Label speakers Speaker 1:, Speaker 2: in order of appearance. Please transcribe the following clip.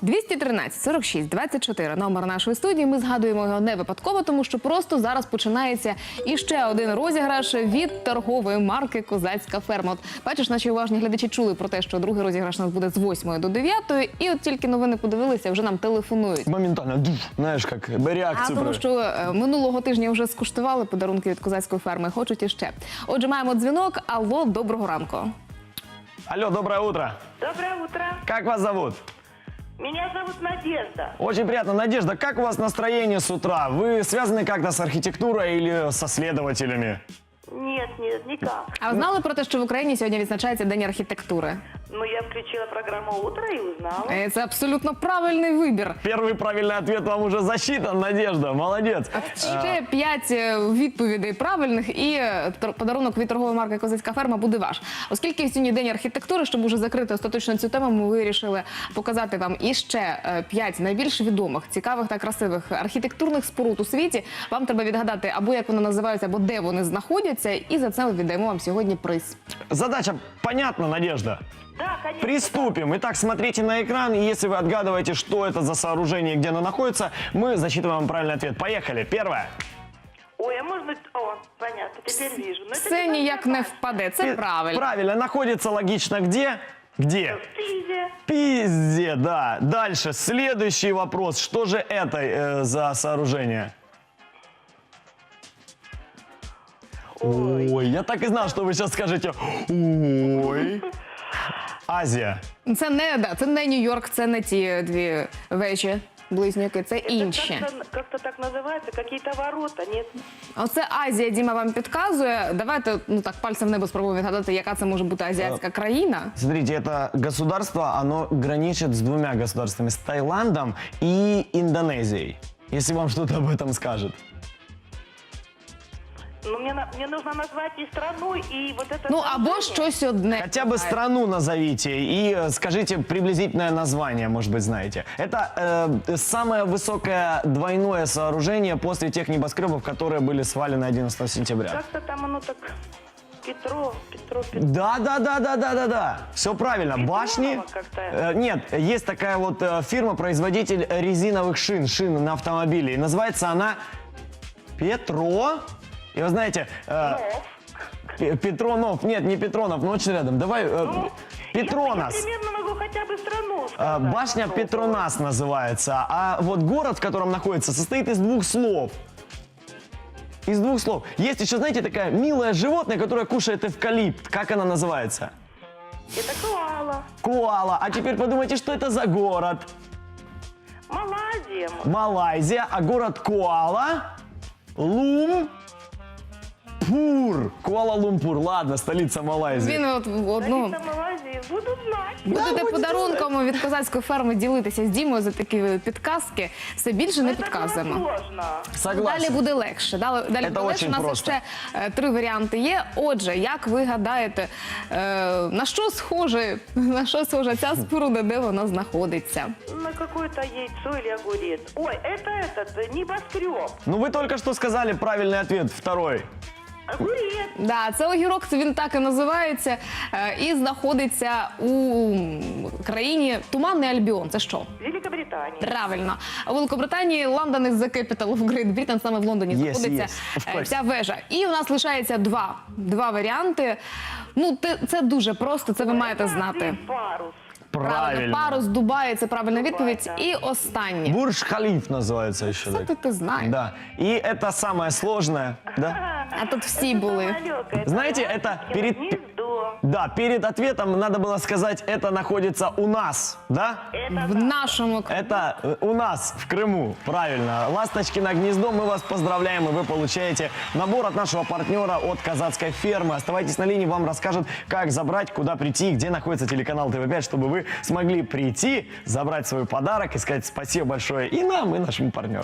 Speaker 1: 213 46 24 номер нашої студії. Ми згадуємо його не випадково, тому що просто зараз починається іще один розіграш від торгової марки «Козацька ферма». От, бачиш, наші уважні глядачі чули про те, що другий розіграш у нас буде з 8 до 9, і от тільки новини подивилися, вже нам телефонують.
Speaker 2: Моментально, знаєш, як реакцію.
Speaker 1: Тому що минулого тижня вже скуштували подарунки від «Козацької ферми», хочуть іще. Отже, маємо дзвінок. Алло, доброго ранку.
Speaker 2: Алло, доброе утро.
Speaker 3: Доброе утро.
Speaker 2: Как вас зовут?
Speaker 3: Меня зовут Надежда.
Speaker 2: Очень приятно. Надежда, как у вас настроение с утра? Вы связаны как-то с архитектурой или со следователями?
Speaker 3: Нет, никак.
Speaker 1: А ви знали про те, що в Україні сьогодні відзначається День архітектури?
Speaker 3: Ну, я включила программу «Утро» и узнала.
Speaker 1: Це абсолютно правильний вибір.
Speaker 2: Первый правильный ответ вам уже засчитан, Надежда. Молодец.
Speaker 1: Ще 5 відповідей правильних, і подарунок від торгової марки «Козацька ферма» буде ваш. Оскільки сьогодні День архітектури, щоб уже закрити остаточно цю тему, ми вирішили показати вам іще 5 найбільш відомих, цікавих та красивих архітектурних споруд у світі. Вам треба відгадати або як вони називаються, або де вони знаходяться, і за це ми віддаємо вам сьогодні приз.
Speaker 2: Задача понятна, Надежда?
Speaker 3: Да, конечно.
Speaker 2: Приступим. Итак, смотрите на экран, и если вы отгадываете, что это за сооружение и где оно находится, мы засчитываем вам правильный ответ. Поехали. Первое.
Speaker 3: Ой, а может быть... О, понятно, теперь вижу. Но это
Speaker 1: Це
Speaker 3: не
Speaker 1: ніяк не
Speaker 3: Павловна.
Speaker 1: впаде, це правильно.
Speaker 2: Правильно. Находится логично где? Где?
Speaker 3: В Пизе.
Speaker 2: Пизде, да. Дальше. Следующий вопрос. Что же это за сооружение? Ой, я так и знал, что вы сейчас скажете. Ой. Азия.
Speaker 1: Це не Нью-Йорк, це не ті дві вежі, близнюки, це інші.
Speaker 3: Это как-то так называется, какие-то ворота, нет?
Speaker 1: Оце Азія, Діма вам підказує. Давайте так пальцем в небо спробуємо відгадати, яка це може бути азіатська країна.
Speaker 2: Смотрите, это государство, оно граничит с двумя государствами, с Таиландом и Индонезией. Если вам что-то об этом скажет.
Speaker 3: Ну, мне нужно назвать и страну, и вот это...
Speaker 1: Або
Speaker 3: сооружение.
Speaker 1: щось одне.
Speaker 2: Хотя бы страну назовите и скажите приблизительное название, может быть, знаете. Это самое высокое двойное сооружение после тех небоскребов, которые были свалены 11 сентября.
Speaker 3: Как-то там оно так... Петро.
Speaker 2: Да. Все правильно.
Speaker 3: Петронова
Speaker 2: Башни.
Speaker 3: как-то.
Speaker 2: Нет, есть такая вот фирма-производитель резиновых шин на автомобиле. И называется она Петро. И вы знаете... Петронов. Нет, не Петронов, но очень рядом. Давай... Петронас.
Speaker 3: Я примерно могу хотя бы страну сказать.
Speaker 2: Башня Петронас называется. А вот город, в котором находится, состоит из 2 слов. Из 2 слов. Есть еще, знаете, такая милое животное, которое кушает эвкалипт. Как она называется?
Speaker 3: Это коала.
Speaker 2: Коала. А теперь подумайте, что это за город?
Speaker 3: Малайзия.
Speaker 2: Малайзия. А город Куала Лумпур. Куала-Лумпур. Ладно, столица Малайзии.
Speaker 1: Він от в одну...
Speaker 3: Столица Малайзии. Буду знать.
Speaker 1: Будете
Speaker 2: будете
Speaker 1: подарунком від «Козацької ферми» ділитися з Дімою за такі підказки. Все більше не
Speaker 3: Это было
Speaker 1: підказуємо.
Speaker 3: сложно.
Speaker 1: Далі
Speaker 2: Согласен.
Speaker 1: буде легше. Далі буде легше.
Speaker 2: очень
Speaker 1: У нас
Speaker 2: просто.
Speaker 1: ще 3 варіанти є. Отже, як ви гадаєте, на що схожа ця споруда, де вона знаходиться?
Speaker 3: На какое-то яйцо или огурец. Ой, это этот, небоскреб.
Speaker 2: Ну вы только что сказали правильный ответ, второй.
Speaker 3: Огурец.
Speaker 1: Да, це огірок, він так і називається, і знаходиться у країні Туманний Альбіон. Це що?
Speaker 3: Великобритания.
Speaker 1: Правильно. У Великобританії London is the capital of Great Britain, саме в Лондоні знаходиться
Speaker 2: of course.
Speaker 1: ця вежа. І у нас лишається два варіанти. Це дуже просто, це ви маєте знати.
Speaker 3: Парус.
Speaker 2: Правильно.
Speaker 1: Парус, Дубай, це правильна відповідь.
Speaker 3: так.
Speaker 1: І останнє.
Speaker 2: Бурдж-Халиф называется еще.
Speaker 1: Це ти знаєш.
Speaker 2: Да. И это самое сложное. Да?
Speaker 1: А тут всі були.
Speaker 3: Самолёт,
Speaker 2: Знаете,
Speaker 3: это
Speaker 2: это
Speaker 3: ласточкино
Speaker 2: перед-
Speaker 3: гнездо.
Speaker 2: Да, перед ответом надо было сказать, это находится у нас, да?
Speaker 3: Это
Speaker 1: В нашому
Speaker 2: Это у нас в Крыму, правильно. Ласточкино гнездо, мы вас поздравляем, и вы получаете набор от нашего партнера, от Козацкой фермы. Оставайтесь на линии, вам расскажут, как забрать, куда прийти, где находится телеканал ТВ5, чтобы вы смогли прийти, забрать свой подарок и сказать спасибо большое и нам, и нашему партнеру.